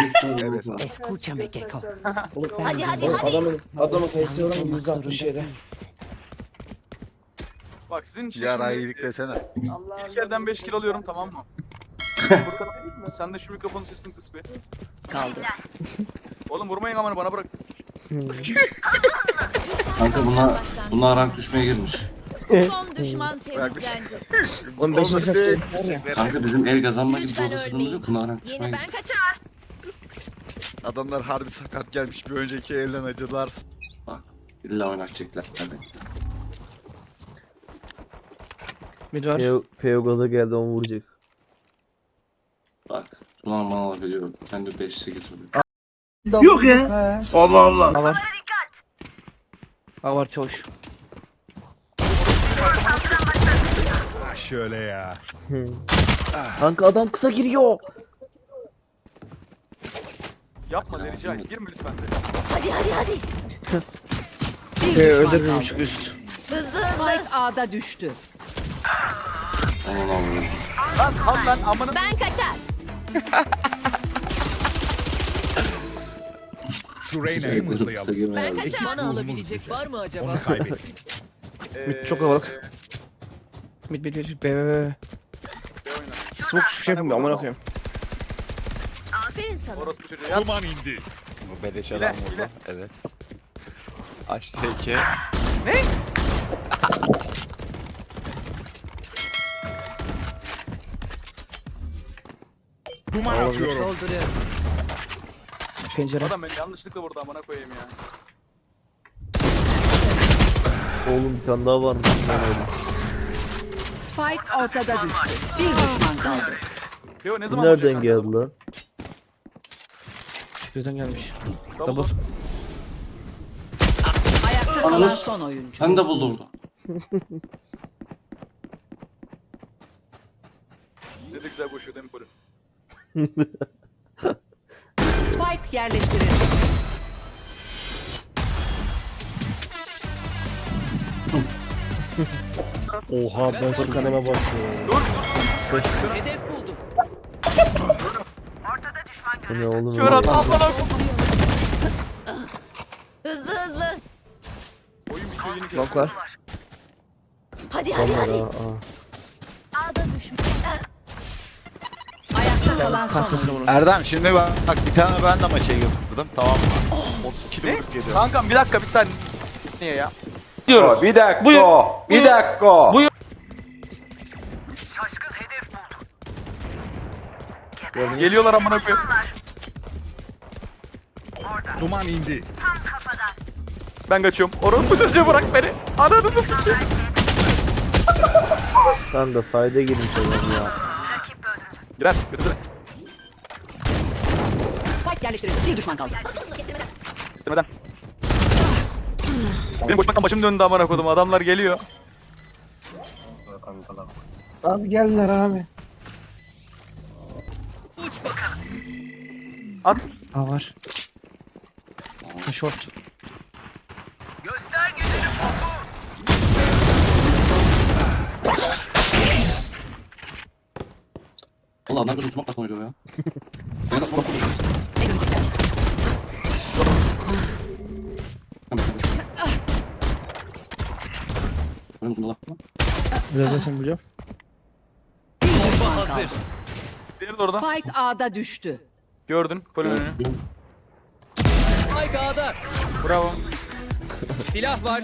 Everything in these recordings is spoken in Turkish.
Evet abi. Escúchame, Keko. Hadi hadi hadi. Adamın kayısı var ama %67. Bak sizin için Yara şimdi, iyilik desene. ilk elden 5 kilo alıyorum, tamam mı? Furkan, sen de şu mikrofonu sesini kıs bir. Kaldı. Oğlum vurmayın amanı, bana bırak. Kanka bunlar rank düşmeye girmiş. Son düşman temizlendi. Oğlum 5 Olur dakika değil. var ya. Kanka bizim el kazanma gibi Lütfen pozisyonumuz ölmeyin. yok. Bunlar rank düşmeye Yeni ben girmiş. kaçar. Adamlar harbi sakat gelmiş. Bir önceki elden acıdılar. Bak illa oynatacaklar. Hadi. Mid var. Peyogalı geldi onu vuracak. Bak. Ulan bana laf ediyor. Kendi 5-8 oluyor. A var. A var çavuş. Şöyle ya. Kanka adam kısa giriyor. Yapma Nericay, girme lütfen de. Hadi hadi hadi. Bir düşman Öldürülmüş kaldı. üst. Hızlı hızlı. Spike A'da düştü. Aman Allah'ım. Lan sal lan amına. Ben kaçar. Şu Reyna'yı Şey, kısa mızlayalım. girmeye Ben geldik. kaçar. Bana alabilecek var mı acaba? Onu kaybettik. Mid çok havalık. Mid B. Smoke hiçbir şey yapmıyor amına koyayım. Aferin sana. Orospu çocuğu yat. Duman indi. Bu beleş adam Hile, vurdu. hile. Evet. Açtı heyke. Ne? Duman atıyorum. Dolduruyorum. Pencere. Adam beni yanlışlıkla vurdu, amına koyayım ya. Oğlum bir tane daha varmış. Lan öyle. Spike ortada düştü. Bir düşman kaldı. Teo ne zaman Nereden vuracaksın geldi lan? Birden gelmiş. Double. Double. Ayakta kalan son oyuncu. Ben de buldu orada. Ne de güzel koşuyor değil mi Poli? Spike yerleştirildi. Oha ben Furkan'a bakıyorum. Hedef buldum. Bu ne oğlum? Kör at, amına koyayım. Hızlı hızlı. Oyun bitiyor, yeni kör. Long var. Hadi hadi Tamam hadi. ha. A'da düşman. Ayakta kalan son Kahvesine oyuncu. vurun. Erdem şimdi bak bir tane ben de maça girdim, tamam mı? 30 kilo Ne? vurup geliyorum. Kankam bir dakika, bir saniye. Niye ya? Bir dakika. Bir dakika. Geliyorlar amına koyayım. Duman indi. Ben kaçıyorum. Orospu çocuğu, bırak beni. Ananızı sikeyim. Sen de sayda girmiş adam ya. Girer, götür. Spike yerleştirildi. Bir düşman kaldı. İstemeden. Benim koşmaktan başım döndü amına koydum. Adamlar geliyor. Abi geldiler abi. At. A var. Short. Valla adam gözüm smoke atma ya. Ben de smoke atma. Ne görecekler? Benim uzun da. Biraz zaten biliyorum. Bir düşman kaldı. Diğeri de orada. Spike A'da düştü. Gördün. Polin önünü. Spike A'da. Bravo. Silah var.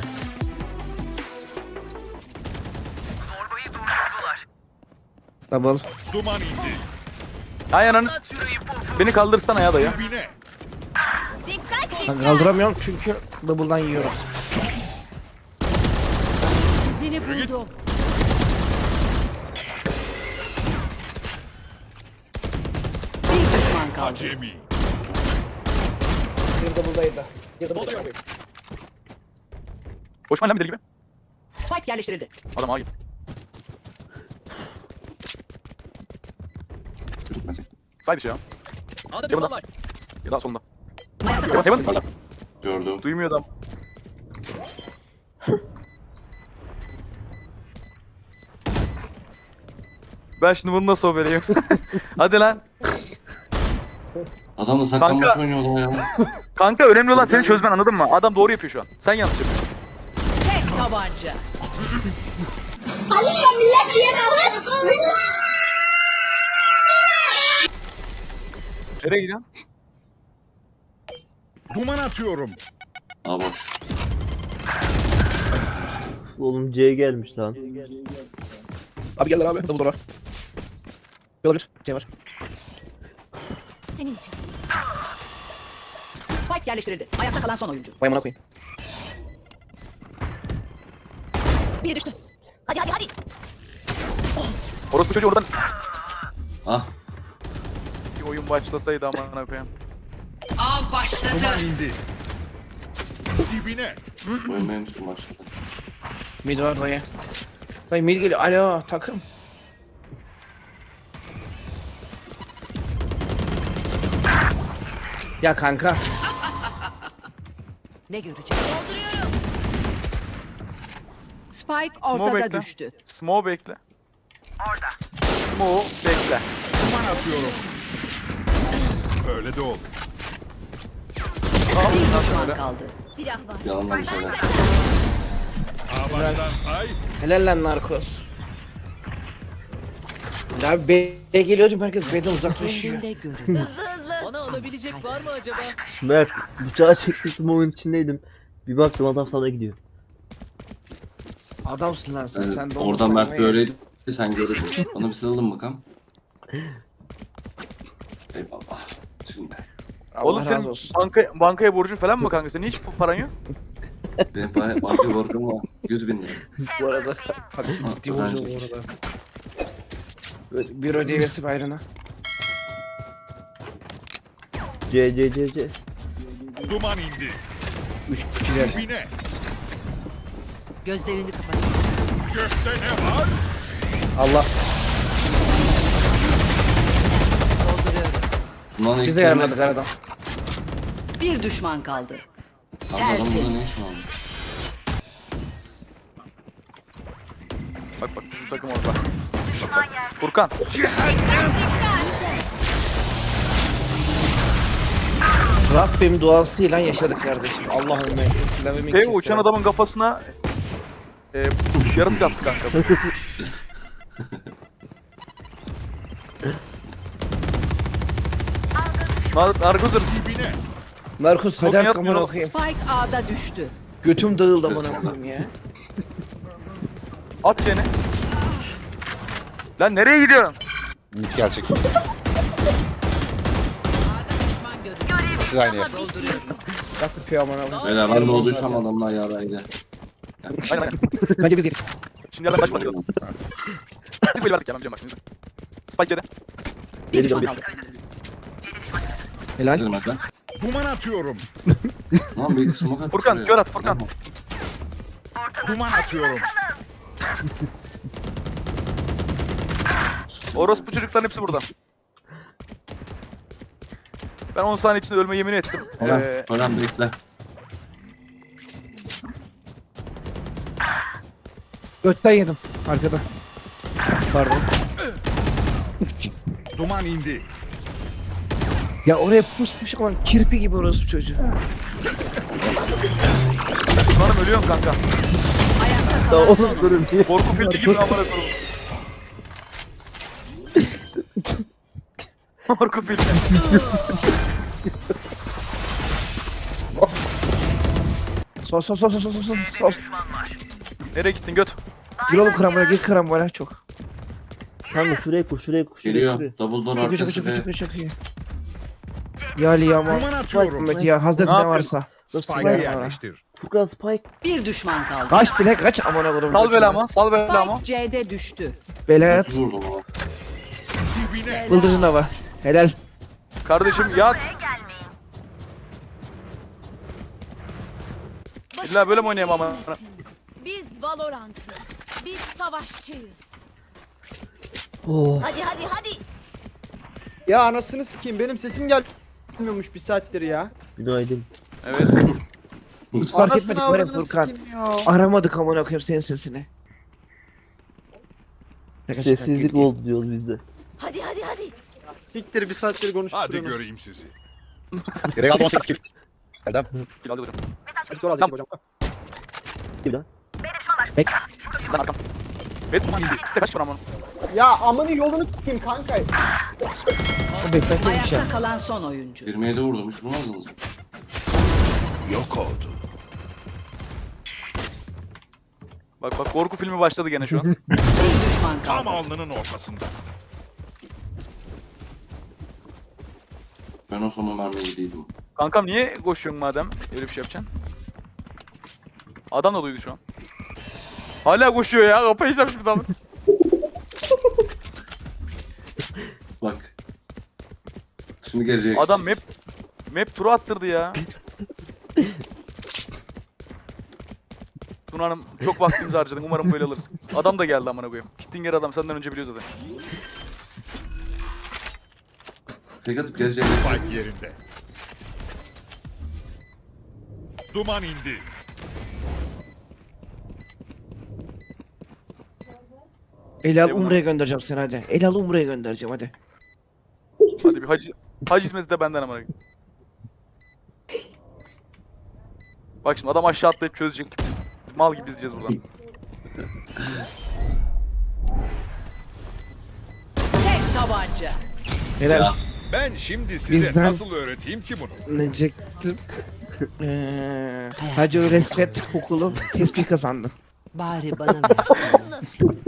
Double. Duman indi. Ay ananı. Beni kaldırsana ya dayı. Dibine. Dikkat. Ben kaldıramıyorum çünkü double'dan yiyorum. Seni buldum. Bir düşman kaldı. Acemi. Bir double'daydı. Koşma lan bir deli gibi. Spike yerleştirildi. Adam ağa git. Say dışı ya. A'da düşman var. Ya da solunda. Ayakta kalan Heaven. son oyuncu. Gördüm. Duymuyor adam. Ben şimdi bunu nasıl vereyim? Hadi lan. Adamla saklanmaç Kanka. oynuyorlar ya. Kanka önemli olan seni çözmen, anladın mı? Adam doğru yapıyor şu an. Sen yanlış yapıyorsun. Tek tabanca. Nereye gidiyorsun? Duman atıyorum. Aa boş. Oğlum C gelmiş lan. Abi gel abi. Double door var. Olabilir. Şey var. Senin için. Spike yerleştirildi. Ayakta kalan son oyuncu. Vay amına koyayım. Biri düştü. Hadi hadi hadi. Orospu çocuğu oradan Ah. bir oyun başlasaydı amına koyayım. Av başladı. Duman indi. Dibine. Oyun benim tuttum başladı. Mid var dayı. Dayı mid geliyor. Alo takım. Ya kanka. Ne görecek? Dolduruyorum. Spike Smoke ortada bekle. düştü. Smoke bekle. Orada. Smoke bekle. Duman atıyorum. Öyle de oldu. Tamam Bir bundan düşman sonra. kaldı. Silah var. Yalandan bir şeyler. Sağ baştan say. Helal lan narkoz. Ya abi B'ye geliyordum herkes B'den uzaklaşıyor. Kendinde görün. Hızlı hızlı. Bana alabilecek var mı acaba? Mert bıçağı çekmiştim oyun içindeydim. Bir baktım adam sana gidiyor. Adamsın lan sen. Yani Sen de oradan olmasan Mert ne böyleydi, sen görürdün. Bana bir sarılın bakalım. Eyvallah. Şimdi Allah Oğlum razı senin olsun. bankaya borcun falan mı kanka? Senin hiç paran yok? benim banka borcum var. 100.000 lira. Bu arada. Bak ciddi öğrenci. olacağım bu arada. Bir ödeyesi bayrına. C. Duman indi. 3 kişiler. Dibine. Gözlerini kapatın. Gökte ne var? Allah Dolduruyorum. Bundan ilk bize kelime- yaramadık aradan. Bir düşman kaldı. Abi adam burada ne iş var? Bak bizim takım orada. Bak. Furkan. Rabbim duasıyla yaşadık kardeşim. Allah'ım ben. Dev uçan adamın kafasına yaratık attı kanka. Narkozlarız. Dibine. Narkoz Smoke hadi yapmıyor. amına koyayım. Spike A'da düştü. Götüm dağıldı amına koyayım ya. At yeni. Lan nereye gidiyorsun? Gerçek. Siz aynı yapın. Bak yapıyor amına koyayım. Beyler ben de olduysam adamlar yaraydı. Aynen aynen. Bence biz yedik. Şimdi yerden başlayalım. Biz böyle verdik ya, ben biliyorum bak şimdi. Spike yedi. Bir düşman kaldı. Helal. Dedim ben. Duman atıyorum. Lan bir smoke at. Furkan, şuraya. kör at, Furkan. Duman atıyorum. Orospu çocukların hepsi burada. Ben 10 saniye içinde ölme yemin ettim. Ölen bekle. Götten yedim arkada. Pardon. Duman indi. Ya oraya pusmuş ama kirpi gibi orası çocuğu. Umarım ölüyorum kanka. Ayakta Da kalan son oğlum durun diye. Korku filmi gibi amına koyayım. Korku filmi. Sol. Nereye gittin göt? Gir oğlum karambole gir karambole çok. Kanka şuraya kur. Geliyor. Double door Çok iyi arkası ve çok iyi. Ya Liyama. Duman atıyorum. Mehmet ya Hazreti Ne ne yapıyorsun? varsa. Spike'ı yerleştir. Furkan Spike. bir düşman kaldı. Kaç bile kaç amına koyayım. Sal belamı, sal belamı. Spike C'de düştü. Belayat. vurdum ama. Dibine. Bıldırcın da var. Helal. Kardeşim yat. İlla böyle mi oynayayım ama? Biz Valorant'ız. Biz savaşçıyız. Oh. Hadi hadi hadi. Ya anasını sikeyim benim sesim gelmiyormuş bir saattir ya. Günaydın. Evet. Hiç fark Anasını etmedik var ya avradını Furkan. sikeyim ya. Aramadık amına koyayım senin sesini. Sessizlik oldu diyoruz biz de. Hadi hadi hadi. Siktir bir saattir konuşup Hadi duruyorsunuz. göreyim sizi. Gerek aldı 18 kill. Erdem. Skill aldı hocam. Hadi sonra alacak hocam. Bir daha. Lan arkam. Evet tamam indi. Kaç var aman. Ya amını yolunu tutayım kanka. O 5 sayfa bir şey. Ayakta kalan son oyuncu. 27 vurdum. Hiç vurmazdınız mı? Yok oldu. Bak korku filmi başladı gene şu an. Bir düşman Tam kaldı. alnının ortasında. Ben o son mermiyi değildim. Kankam niye koşuyorsun madem? Öyle bir şey yapacaksın. Adam da duydu şu an. Hala koşuyor ya. Kafayı yiyeceğim şimdi adamın. Bak. Şimdi gelecek. Adam map turu attırdı ya. Tuna Hanım çok vaktimizi harcadın. Umarım böyle alırız. Adam da geldi amına koyayım. Gittin geri adam senden önce biliyor zaten. Tek atıp gelecek. Spike yerinde. Duman indi. El al Eyvallah. Umre'ye göndereceğim seni hadi. El al Umre'ye göndereceğim hadi. Hadi bir hac hizmeti de benden amına koyayım. Bak şimdi adam aşağı atlayıp çözecek. Biz mal gibi izleyeceğiz buradan. Tek tabanca. Helal. Ben şimdi size Bizden- nasıl öğreteyim ki bunu? Ne diyecektim? Hacı Resvet okulu tespih kazandın. Bari bana versin.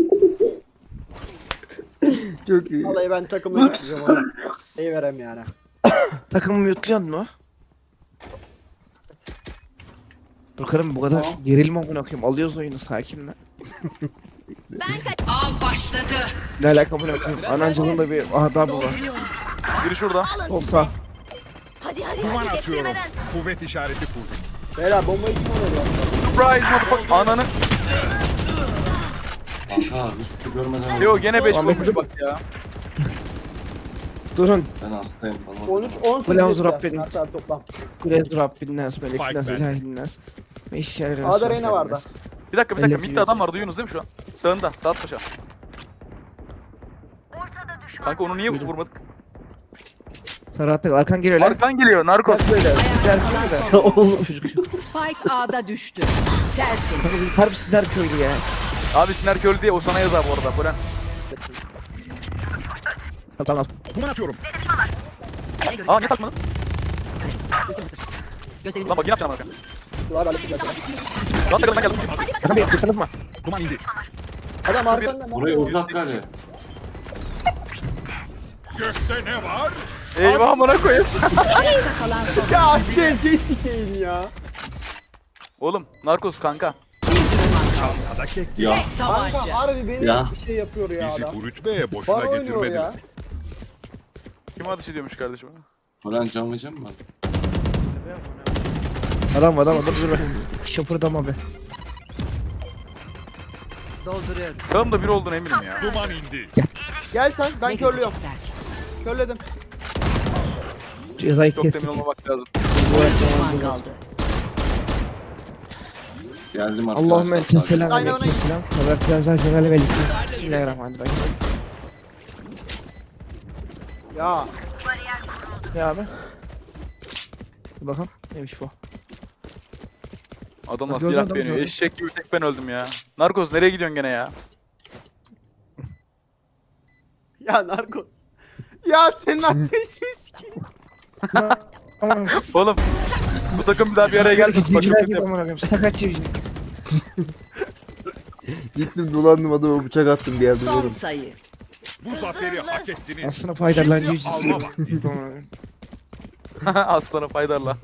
Çok iyi. Vallahi ben takımla gideceğim ona. İyi verem yani. Takımı yutluyor mu? Bakalım bu kadar gerilme amına koyayım. Alıyoruz oyunu sakinle. Av başladı. Ne alaka amına koyayım? Anancılığın da bir adabı var. Biri şurada. Olsa. Hadi Duman hadi atıyorum. geçirmeden. Kuvvet işareti kurdum. Beyler bombayı kim alıyor? Surprise motherfucker. Ananı. Kanka hiçbir şey görmeden. Leo gene 5 Ahmet- vurmuş bak ya. Durun. Ben hastayım falan. 13 18 Ulan dediler. Rabbim. Hatta toplam. Kulez Rabbin nas Spike melek nas bende. ilahin nas. Ve işler A'da Reyna vardı. Bir dakika. Elli Mid'de adam var duyuyorsunuz değil mi şu an? Sağında. Saat paşa. Kanka onu niye vurmadık? Serhat'ta arkan geliyor lan. Arkan geliyor narkos. Oğlum çocuk. Spike A'da düştü. Tersin. Harbi sizler köylü ya. Abi Siner Köylü diye o sana yazar bu arada. Polen. Tamam. Duman atıyorum. Aa niye kaçmadın? Lan bak yine yapacağım bak. Sular alıp gidiyor. Lan takıldan geldim. Bakın bir yapıyorsanız mı? Duman indi. Adam arkanda. Buraya uzak kale. Gökte ne var? Eyvah amına koyayım. Ayakta kalan son. Ya CC sikeyim ya. Oğlum narkos kanka. Bir düşman kaldı. Ya da kek. Ya. Kanka Tabanca. harbi beni Ya. bir şey yapıyor ya Bizi adam. bu rütbeye boşuna Bana oynuyor getirmediler. ya. Kim ateş ediyormuş kardeşim? Falan can vereceğim mi? Adam dur be. Şapırdama be. Dolduruyorum. Sağımda biri olduğunu eminim ya. Duman indi. Gel sen ben Ne körlüyorum. görecekler? Körledim. Cezayı Çok kestik. emin olmamak lazım. Bir düşman kaldı. Geldim arkadaşlar. Allahümme ente selam Aynen, aleyküm selam. Ve biraz celale ve liküm. Bismillahirrahmanirrahim. Ya. Ne abi? Bir bakalım. Neymiş bu? Adamla Gördüm, silah adam beğeniyor. gördüm. Eşek gibi tek ben öldüm ya. Narkos nereye gidiyorsun gene ya? Ya narko. Ya senin ateşi sikeyim. Aman Oğlum bu takım bir daha bir araya gelmesin. Bak çok civcivler kötü gibi yap- aman koyayım. Sakat civciv. Gittim dolandım adama bıçak attım bir yerde. Son Dedim. sayı. Bu zaferi hak ettiniz. Aslında faydalan Şimdi civciv. alma vakti. Aslanı faydarla.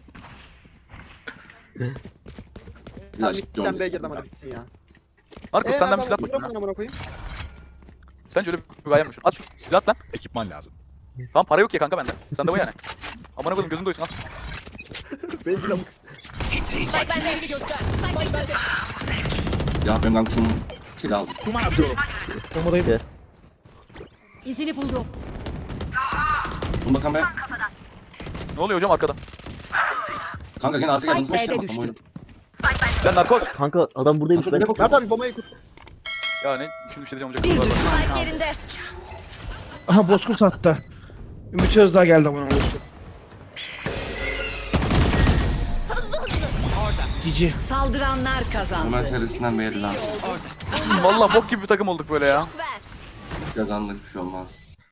Tamam İlaç gittim B'ye girdim hadi bitsin ya. Narkos senden bir silah bak. bakayım ya. Amına koyayım. Sen şöyle bir gayem At şu silah lan. Ekipman lazım. Tamam para yok ya kanka bende. Sende bu yani. Amına koydum gözün doysun al. Ben silahım. Spike bende. Göster. Spike bende. Ya benim kankasının kill aldım. Duman atıyorum. Bombadayım. İzini buldum. Dur bakalım be. Ne oluyor hocam arkada? Kanka gene artık Spike yanımıza B'de işte düştü. oyunu. Lan narkos. Kanka adam buradaymış ben. Mert abi bombayı kur. Ya ne? Şimdi bir şey diyeceğim olacak. Bir Var, var. düşman Spike kaldı. yerinde. Aha bozkurt attı. Ümit Özdağ geldi amına koyayım. Cici. Saldıranlar Ömer kazandı. serisinden belli lan. Vallahi bok gibi bir takım olduk böyle ya. Ver. Kazandık bir şey olmaz.